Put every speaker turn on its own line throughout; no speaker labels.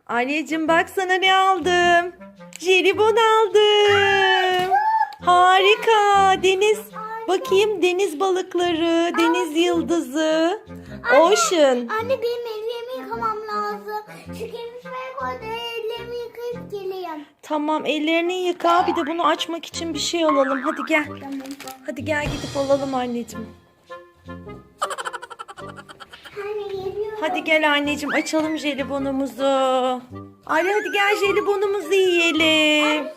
Anneciğim bak sana ne aldım. Jelibon aldım. Harika. Deniz. Bakayım deniz balıkları, deniz yıldızı. Ocean.
Anne benim ellerimi yıkamam lazım. Şu kemikleri koydu, ellerimi yıkayıp geleyim.
Tamam ellerini yıka. Bir de bunu açmak için bir şey alalım. Hadi gel.
Tamam.
Hadi gel gidip alalım anneciğim.
Anne geliyorum.
Hadi gel anneciğim açalım jelibonumuzu. Ali hadi gel jelibonumuzu yiyelim.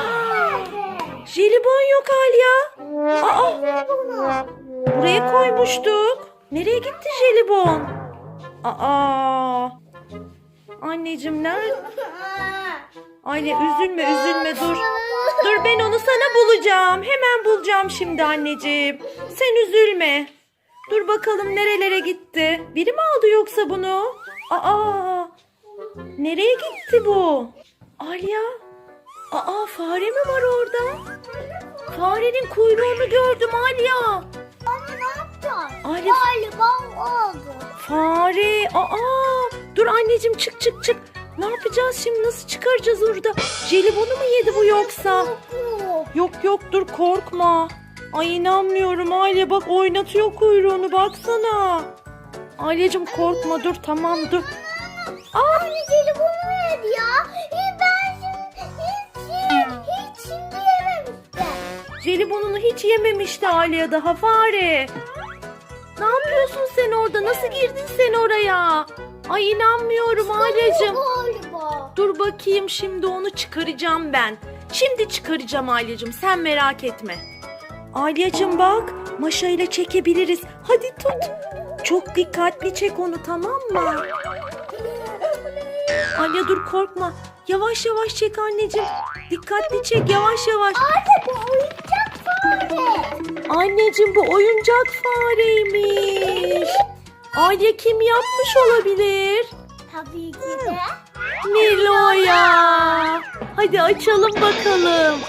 Jelibon yok Alya. Aa, buraya koymuştuk. Nereye gitti jelibon? Aa. Anneciğim nerede? Ayla üzülme dur. Dur ben onu sana bulacağım. Hemen bulacağım şimdi anneciğim. Sen üzülme. Dur bakalım nerelere gitti. Biri mi aldı yoksa bunu? Aa. Nereye gitti bu? Alya. Aa fare mi var orada? Farenin kuyruğunu gördüm Alya.
Anne ne yapacağız?
Alya.
Galiba oldu.
Fare. Aa. Dur anneciğim çık. Ne yapacağız şimdi? Nasıl çıkaracağız orada? Jelibonu mu yedi bu yoksa? Yok dur korkma. Ay inanmıyorum Aile bak oynatıyor kuyruğunu baksana. Aileciğim korkma dur tamam dur.
Anne jelibonu yedi ya. Ben hiç şimdi yememiştim.
Jelibonunu hiç yememişti Aile daha fare. Ne yapıyorsun sen orada? Nasıl girdin sen oraya? Ay inanmıyorum Aileciğim.
Galiba.
Dur bakayım şimdi onu çıkaracağım ben. Şimdi çıkaracağım Aileciğim sen merak etme. Aileciğim bak maşa ile çekebiliriz. Hadi tut. Çok dikkatli çek onu tamam mı? Alya dur korkma. Yavaş çek anneciğim. Dikkatli çek yavaş.
Anne bu oyuncak fare.
Anneciğim bu oyuncak fareymiş. Alya kim yapmış olabilir?
Tabii ki de.
Nilo'ya. Hadi açalım bakalım.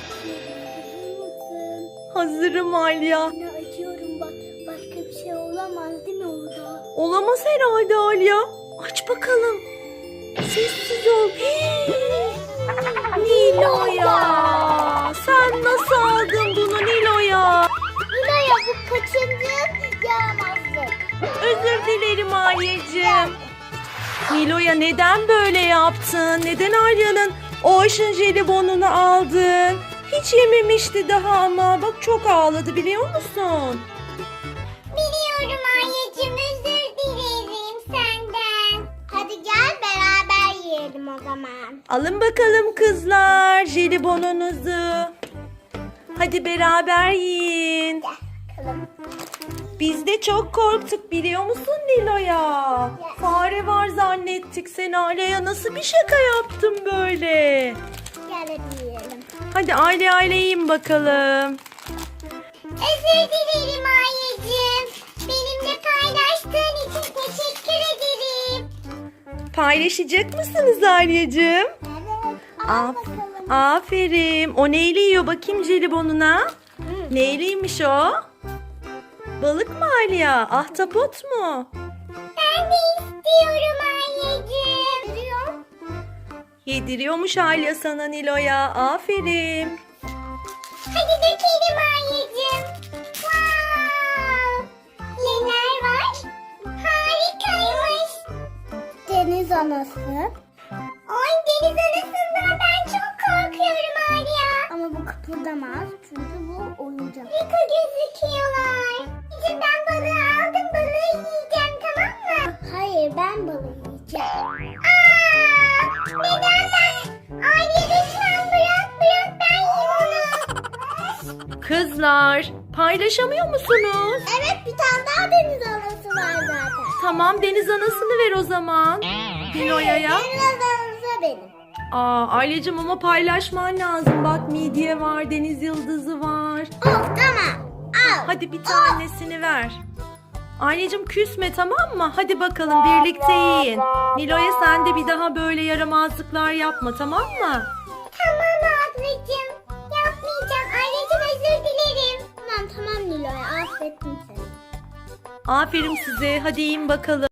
Hazırım Alya.
Anne açıyorum bak. Başka bir şey olamaz değil mi orada?
Olamaz herhalde Alya. Aç bakalım. Sessiz ol. Nilo'ya. Sen nasıl aldın bunu Nilo'ya?
Nilo'ya bu kaçıncı yaramazlık?
Özür dilerim Alya'cığım. Nilo'ya neden böyle yaptın? Neden Alya'nın Ocean jelibonunu aldın? Hiç yememişti daha ama. Bak çok ağladı biliyor musun?
Biliyorum anneciğim, özür dilerim senden. Hadi gel beraber yiyelim o zaman.
Alın bakalım kızlar jelibonunuzu. Hadi beraber yiyin.
Bakalım.
Biz de çok korktuk biliyor musun Nilo'ya? Fare var zannettik. Sen Aileye nasıl bir şaka yaptın böyle?
Gel hadi yiyelim.
Hadi aile yiyin bakalım.
Özür dilerim anneciğim. Benimle paylaştığın için teşekkür ederim.
Paylaşacak mısınız Alya'cığım?
Evet. Al bakalım.
Aferin. O neyle yiyor bakayım jelibonuna? Neyliymiş o? Balık mı Alya? Ahtapot mu?
Ben de istiyorum anneciğim. Duruyor.
Yediriyormuş Alya sana Nilo'ya. Aferin.
Hadi dökelim anneciğim. Wow. Neler var? Harikaymış. Deniz anası. Ay deniz anasından ben çok korkuyorum Arya. Ama bu kıpırdamaz çünkü bu oyuncak. Harika gözüküyorlar. Şimdi ben balığı aldım, balığı yiyeceğim tamam mı? Hayır ben balığı yiyeceğim. Neden ben? Arya lütfen bırak ben yiyeyim onu.
Kızlar paylaşamıyor musunuz?
Evet bir tane daha deniz anası var zaten.
Tamam deniz anasını ver o zaman. Nilo'ya.
Deniz anası benim.
Aileciğim ama paylaşman lazım. Bak midye var, deniz yıldızı var.
Tamam. Al.
Hadi bir tanesini ver. Anneciğim küsme tamam mı? Hadi bakalım birlikte yiyin. Nilo'ya sen de bir daha böyle yaramazlıklar yapma tamam mı?
Tamam ablacığım. Yapmayacağım. Anneciğim özür dilerim. Tamam Nilo'ya affettim seni.
Aferin size. Hadi yiyin bakalım.